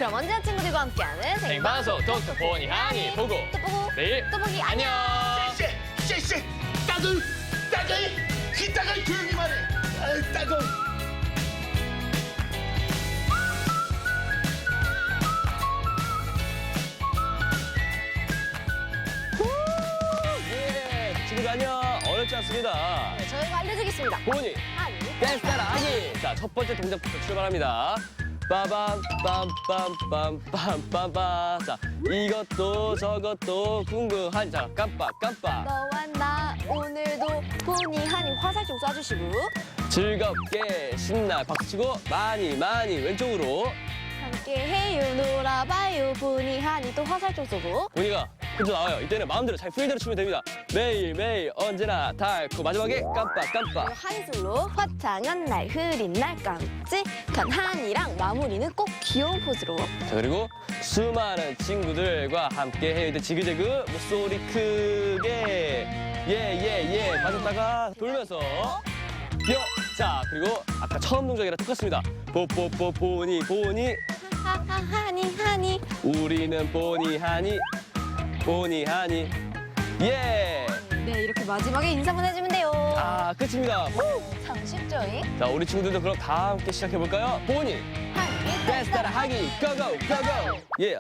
그럼 언제나 친구들과 함께하는 생방송 톡톡 보니 하니 보고 또 보고 내일 또 보기 안녕. 쎄, 따글, 이따가 조용히만 해. 아, 따글. 예, 친구들 안녕. 어렵지 않습니다. 네, 저희가 알려드리겠습니다. 보니 하니 댄스 따라 하기. 자, 첫 번째 동작부터 출발합니다. 빠밤 빰빰빰빰빰빰빰. 자, 이것도 저것도 궁금한. 자, 깜빡. 너와 나 오늘도 보니 하니 화살 좀 쏴주시고 즐겁게 신나 박수치고 많이 왼쪽으로. 함께해요 놀아봐요 보니 하니 또 화살 좀 쏘고 보니가 혼자 나와요. 이때는 마음대로 잘 풀대로 추면 됩니다. 매일 언제나 달고 마지막에 깜빡. 그리고 한술로 화창한 날 흐린 날 깜찍한 한이랑 마무리는 꼭 귀여운 포즈로 자, 그리고 수많은 친구들과 함께 해야 돼. 지그재그 목소리 크게 예 빠졌다가 돌면서 뿅. 자, 그리고 아까 처음 동작이랑 똑같습니다. 뽀뽀뽀 보니 하하 하니 우리는 보니 하니 예. 네 이렇게 마지막에 인사만 해주면 돼요 아, 끝입니다. 참 쉽죠? 자, 우리 친구들도 그럼 다 함께 시작해 볼까요? 보니 하니 댄스 따라 하기 고고 예.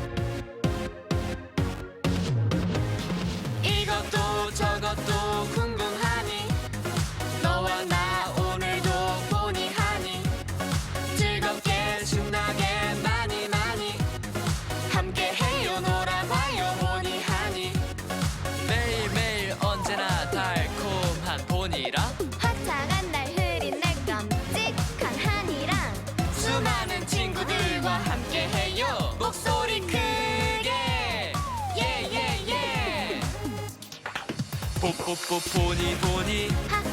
이것도 저것도 궁금하니 너와 나 오늘도 보니 하니 즐겁게 신나게 많이 함께해요 놀아봐요 보니 하니 매일매일 언제나 달콤한 보니랑 화창한 날 흐린 날 깜찍한 한이랑 수많은 친구들과 함께해요 목소리 크게 예예예 뽀뽀뽀 보니 하하